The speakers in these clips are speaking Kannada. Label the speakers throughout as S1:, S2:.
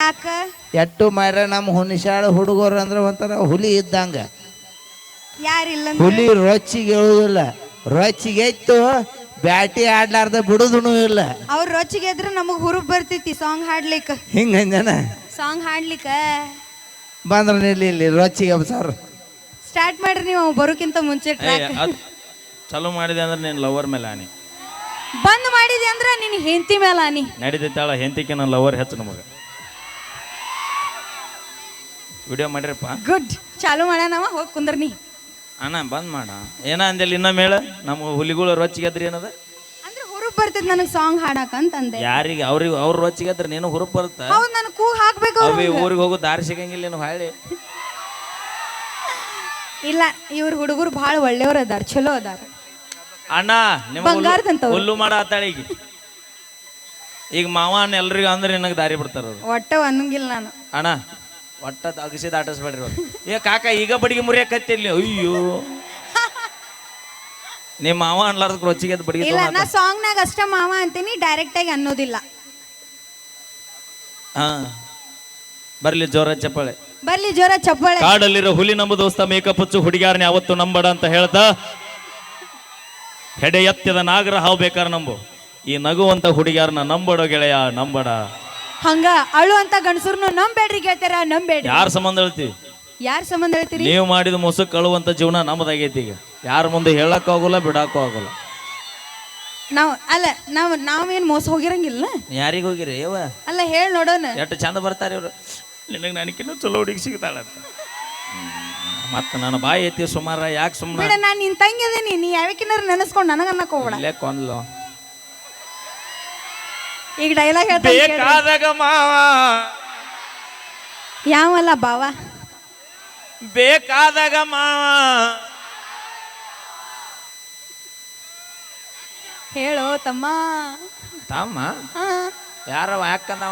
S1: ಯಾಕ
S2: ಎಟ್ಟು ಮಾರ ನಮ್ಮ ಹುಣಿಶಾಳ ಹುಡುಗರು ಅಂದ್ರೆ ಒಂಥರ ಹುಲಿ ಇದ್ದಂಗ.
S1: ಯಾರಿಲ್ಲ
S2: ಹುಲಿ ರೊಚ್ಚಿಗೆ ಹೇಳುದಿಲ್ಲ, ರೊಚ್ಚಿಗೆ ಎತ್ತು ಬ್ಯಾಟಿ ಆಡ್ಲಾರ್ದ ಬಿಡುದೂ ಇಲ್ಲ.
S1: ಅವ್ರ ರೊಚ್ಚಿಗೆ ಎದ್ರ ನಮಗ್ ಹುರುಪ್ ಬರ್ತೈತಿ ಸಾಂಗ್ ಹಾಡ್ಲಿಕ್ಕ.
S2: ಹಿಂಗಂಜನ
S1: ಸಾಂಗ್ ಹಾಡ್ಲಿಕ್ಕ
S2: ಬಂದ್ರ ಇಲ್ಲಿ ರೊಚ್ಚಿಗೆ ಸರ್
S1: ಸ್ಟಾರ್ಟ್ ಮಾಡ್ರಿ ನೀವು ಬರೋಕ್ಕಿಂತ ಮುಂಚೆ ಟ್ರ್ಯಾಕ್
S3: ಚಲೋ ಮಾಡಿದೆ ಅಂದ್ರೆ ನೀನು ಲವರ್ ಮೇಲೆ ಆನಿ,
S1: ಬಂದ್ ಮಾಡಿದೆ ಅಂದ್ರ ನಿನ್ ಹೆಂಡತಿ ಮೇಲೆ ಆನಿ
S3: ನಡೀತೈತಾಳ. ಹೆಂತಿಕೆ ನನ್ನ ಲವರ್ ಹೆಚ್ಚು ನಮಗೆ. ವಿಡಿಯೋ ಮಾಡಿರಪ್ಪ.
S1: ಗುಡ್ ಚಾಲು ಮಾಡ್ಯಾನವ ಹೋಗಿ ಕುಂದ್ರನಿ.
S3: ಅಣ್ಣ ಬಂದ್ ಮಾಡ ಏನ ಅಂದೇಲಿ ಇನ್ನೊಮ್ಮೆ ಹೇಳ. ನಮ್ಮ ಹುಲಿಗಳು ರೊಚ್ಚಿಗೆದ್ರಿ ಏನದ
S1: ಅಂದ್ರೆ ಹುರುಪ್ ಬರ್ತೈತಿ ನನಗ್ ಸಾಂಗ್ ಹಾಡಕ್ ಅಂತಂದೆ.
S3: ಯಾರಿಗೆ ಅವ್ರಿಗೆ ಅವ್ರ ರೊಚ್ಚಿಗೆದ್ರೆ ನೀನು ಹುರುಪ್ ಬರುತ್ತ.
S1: ಹೌದ್ ನನ್ ಕೂ ಹಾಕ್ಬೇಕು.
S3: ಅವಿ ಊರಿಗೆ ಹೋಗೋ ದಾರಿ ಸಿಗಂಗಿಲ್ಲ ನೀನು ಹಾಳಿ.
S1: ಇಲ್ಲ ಇವ್ರ ಹುಡುಗರು ಭಾಳ ಒಳ್ಳೆಯವ್ರ ಅದಾರ, ಚಲೋ ಅದಾರ.
S3: ಅಣ್ಣ ನಿಮ್ಮ
S1: ಬಂಗಾರದಂತವ್ರು.
S3: ಹುಲ್ಲು ಮಾಡ ಆತಾಳ ಈಗ ಮಾವ ಅಣ್ಣ ಎಲ್ರಿಗೂ ಅಂದ್ರೆ ನಿನಗೆ ದಾರಿ ಬಿಡ್ತಾರ ಅವ್ರು.
S1: ಒಟ್ಟ ಅನ್ನಂಗಿಲ್ಲ ನಾನು.
S3: ಅಣ್ಣ ಒಟ್ಟ ಅಗಸಿ ದಾಟಿಸ್ಬೇಡ್ರಿ ಅವ್ರು. ಏ ಕಾಕ ಈಗ ಬಡಿಗೆ ಮುರಿಯಕತ್ತಿರ್ಲಿ. ಅಯ್ಯೋ ನಿಮ್ಮ ಮಾವ ಅನ್ಲಾರ್ದ ರೊಚ್ಚಿಗೆ ಬಡಿಗೆ
S1: ಇಲ್ಲ ನಾ ಸಾಂಗ್ ನಾಗ ಅಷ್ಟ ಮಾವ ಅಂತೀನಿ, ಡೈರೆಕ್ಟ್ ಆಗಿ ಅನ್ನೋದಿಲ್ಲ.
S3: ಹಾ ಬರ್ಲಿ ಜೋರ ಚಪ್ಪಾಳೆ
S1: ಬರ್ಲಿ ಜೋರ ಚಪ್ಪಾಳೆ.
S3: ಕಾಡಲ್ಲಿರೋ ಹುಲಿ ನಮ್ಮ ದೋಸ್ತ ಮೇಕಪ್ ಹಚ್ಚು ಹುಡುಗಿಯಾರನೇ ಅವತ್ತು ನಂಬಡ ಅಂತ ಹೇಳ್ತಾ ಹೆಡೆ ಎತ್ತದ ನಾಗರ ಹಾವು ಬೇಕಾರ ನಂಬು, ಈ ನಗುವಂತ ಹುಡುಗಿಯಾರನ್ನ ನಂಬಡೋ ಗೆಳೆಯ ನಂಬಡ.
S1: ಹಂಗ ಅಳು ಅಂತ ಗಂಡಸರ್ನು ನಂಬೇಡ್ರಿ ಗೆಳತಾರ, ನಂಬೇಡ್ರಿ.
S3: ಯಾರ ಸಂಬಂಧ ಹೇಳ್ತೀವಿ?
S1: ಯಾರ ಸಂಬಂಧ ಹೇಳ್ತೀರಿ?
S3: ನೀವು ಮಾಡಿದ ಮೊಸಕ್ ಅಳುವಂತ ಜೀವನ ನಮ್ಮದಾಗೈತಿ. ಈಗ ಯಾರ ಮುಂದೆ ಹೇಳಕ್ಕೂ ಆಗೋಲ್ಲ, ಬಿಡಕ್ಕೂ ಆಗೋಲ್ಲ.
S1: ನಾವೇನ್ ಮೋಸ ಹೋಗಿರಂಗಿಲ್ಲ.
S3: ಯಾರಿಗೆ ಹೋಗಿರಿ ಯವ್ವ?
S1: ಅಲ್ಲ ಹೇಳಿ ನೋಡೋಣ.
S3: ಎಷ್ಟು ಚಂದ ಬರ್ತಾರೆ ಇವ್ರು. ನಿನಗೆ ನನಗಿನ್ನೂ ಚಲೋ ಹುಡುಗಿ ಸಿಗ್ತಾಳಂತ. ಮತ್ತ ನನ್ನ ಬಾಯಿ ಐತಿ ಸುಮಾರ. ಯಾಕೆ ಸುಮ್ಮನೆ
S1: ನಾನು ನಿನ್ ತಂಗಿ ಅದೇನಿ, ನೀ ಯಾವಕ್ಕಿನಾರ ನೆನೆಸ್ಕೊಂಡು ನನಗ ಅನ್ನಕ್ ಹೋಗ್ಬೇಡ.
S3: ಇಲ್ಲೇ ಕೊಂದ್ಲು.
S1: ಈಗ ಡೈಲಾಗ್ ಹೇಳ್ತಾ
S3: ಬೇಕಾದಾಗ ಮಾವ
S1: ಯಾವಲ್ಲ ಬಾವ,
S3: ಬೇಕಾದಾಗ ಮಾವ
S1: ಹೇಳೋ ತಮ್ಮ.
S3: ತಮ್ಮ ಯಾರವ ಯಾಕಂದವ?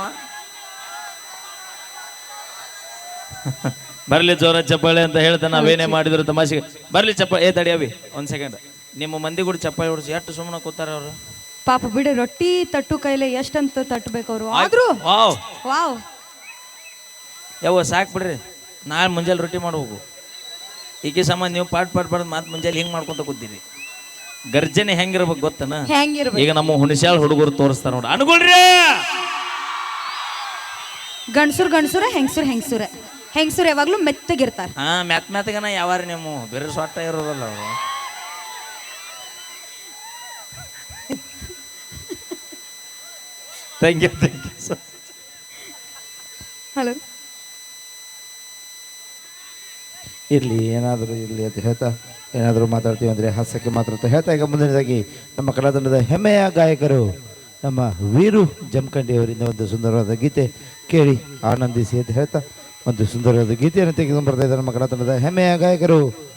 S3: ಬರ್ಲಿ ಜೋರ ಚಪ್ಪಾಳೆ ಅಂತ ಹೇಳ್ತಾ ನಾವೇನೇ ಮಾಡಿದ್ರು ತಮಾಷೆಗೆ. ಬರ್ಲಿ ಚಪ್ಪಾಳೆ. ಏ ತಡಿ ಅವಿ ಒಂದ್ ಸೆಕೆಂಡ್. ನಿಮ್ಮ ಮಂದಿ ಕೂಡ ಚಪ್ಪಾಳೆ ಹೊಡ್ಸಿ ಎಷ್ಟು ಸುಮ್ಮನೆ ಕೂತಾರ ಅವರು.
S1: ಪಾಪ ಬಿಡಿ, ರೊಟ್ಟಿ ತಟ್ಟು ಕೈಲೆ ಎಷ್ಟಂತ ತಟ್ಟಬೇಕು ಅವರು. ಆದ್ರೂ
S3: ವಾವ್
S1: ವಾವ್
S3: ಯವ್ವ ಸಾಕು ಬಿಡ್ರಿ. ನಾಳೆ ಮುಂಜಾನೆ ರೊಟ್ಟಿ ಮಾಡ್ಬೇಕು. ಈಕೆ ಸಂಬಂಧ ನೀವು ಪಾಟ್ ಮಾತು ಮುಂಜಾನೆ ಹಿಂಗೆ ಮಾಡ್ಕೊಂತ ಕೂತೀರಿ. ಗರ್ಜನೆ ಹೆಂಗಿರ್ಬೇಕು ಗೊತ್ತನ?
S1: ಹೆಂಗಿರ್ಬೇಕು?
S3: ಈಗ ನಮ್ಮ ಹುಣಸ್ಯಾಳ ಹುಡುಗರು ತೋರಿಸ್ತಾರ ನೋಡಿ, ಅನ್ಕೊಳ್ರಿ.
S1: ಗಂಡಸುರ ಹೆಂಗಸುರ ಯಾವಾಗ್ಲೂ ಮೆತ್ತಗಿರ್ತಾರ.
S3: ಹಾ ಮೆತ್ತಗನ ಯಾವಾರ ನೀವು ಬೇರೆ ಸೊಟ್ಟ ಇರೋದಲ್ಲ ಅವರು. Thank you
S1: hello.
S2: ಇರಲಿ ಏನಾದರೂ ಇರಲಿ ಅಂತ ಹೇಳ್ತಾ ಏನಾದರೂ ಮಾತಾಡ್ತೀವಿ ಅಂದರೆ ಹಾಸ್ಯಕ್ಕೆ ಮಾತಾಡ್ತಾ ಹೇಳ್ತಾ ಈಗ ಮುಂದಿನದಾಗಿ ನಮ್ಮ ಕಲಾತಂಡದ ಹೆಮ್ಮೆಯ ಗಾಯಕರು ನಮ್ಮ ವೀರು ಜಮಖಂಡಿ ಅವರಿಂದ ಒಂದು ಸುಂದರವಾದ ಗೀತೆ ಕೇಳಿ ಆನಂದಿಸಿ ಅಂತ ಹೇಳ್ತಾ ಒಂದು ಸುಂದರವಾದ ಗೀತೆಯನ್ನು ತೆಗೆದುಕೊಂಡು ಬರ್ತಾ ಇದ್ದಾರೆ ನಮ್ಮ ಕಲಾತಂಡದ ಹೆಮ್ಮೆಯ ಗಾಯಕರು